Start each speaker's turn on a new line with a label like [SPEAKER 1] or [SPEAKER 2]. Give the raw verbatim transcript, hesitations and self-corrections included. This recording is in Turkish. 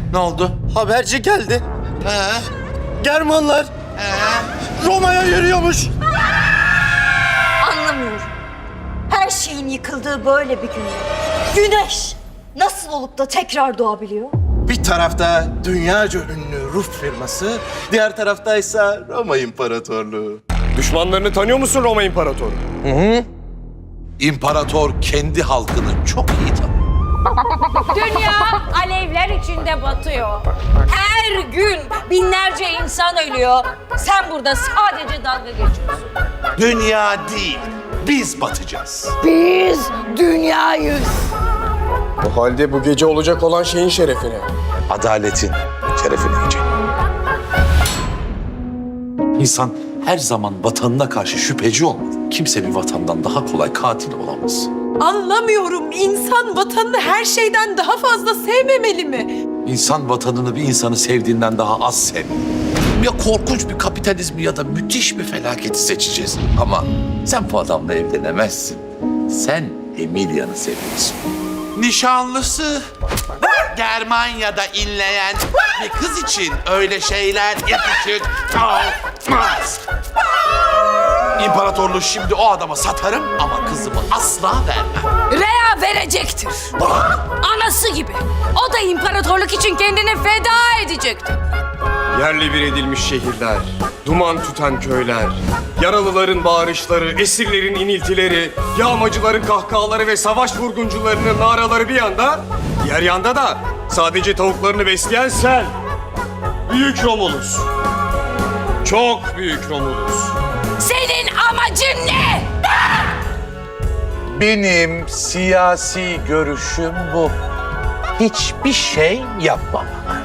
[SPEAKER 1] Ne oldu?
[SPEAKER 2] Haberci geldi.
[SPEAKER 1] He?
[SPEAKER 2] Germanlar
[SPEAKER 1] He?
[SPEAKER 2] Roma'ya yürüyormuş.
[SPEAKER 3] Anlamıyorum. Her şeyin yıkıldığı böyle bir günde güneş nasıl olup da tekrar doğabiliyor?
[SPEAKER 2] Bir tarafta dünyaca ünlü Ruf firması, diğer taraftaysa Roma İmparatorluğu.
[SPEAKER 4] Düşmanlarını tanıyor musun Roma İmparatoru?
[SPEAKER 1] İmparator kendi halkını çok iyi tanır.
[SPEAKER 5] Dünya alevler içinde batıyor. Her gün binlerce insan ölüyor. Sen burada sadece dalga geçiyorsun.
[SPEAKER 1] Dünya değil, biz batacağız.
[SPEAKER 5] Biz dünyayız.
[SPEAKER 4] O halde bu gece olacak olan şeyin şerefine.
[SPEAKER 1] Adaletin şerefine yiyecek. İnsan her zaman vatanına karşı şüpheci olmalı. Kimse bir vatandan daha kolay katil olamaz.
[SPEAKER 6] Anlamıyorum. İnsan vatanını her şeyden daha fazla sevmemeli mi?
[SPEAKER 1] İnsan vatanını bir insanı sevdiğinden daha az sevmeli. Ya korkunç bir kapitalizmi ya da müthiş bir felaketi seçeceğiz. Ama sen bu adamla evlenemezsin. Sen Emilia'nı seviyorsun. Nişanlısı Germanya'da inleyen bir kız için öyle şeyler yakışık olmaz. İmparatorluğu şimdi o adama satarım ama kızımı asla vermem.
[SPEAKER 5] Rea verecektir. Anası gibi. O da imparatorluk için kendini feda edecektir.
[SPEAKER 4] Yerli bir edilmiş şehirler, duman tüten köyler, yaralıların bağırışları, esirlerin iniltileri, yağmacıların kahkahaları ve savaş vurguncularının naraları bir yanda, diğer yanda da sadece tavuklarını besleyen sen. Büyük Romulus. Çok büyük Romulus.
[SPEAKER 5] Senin amacın ne?
[SPEAKER 1] Benim siyasi görüşüm bu. Hiçbir şey yapmamak.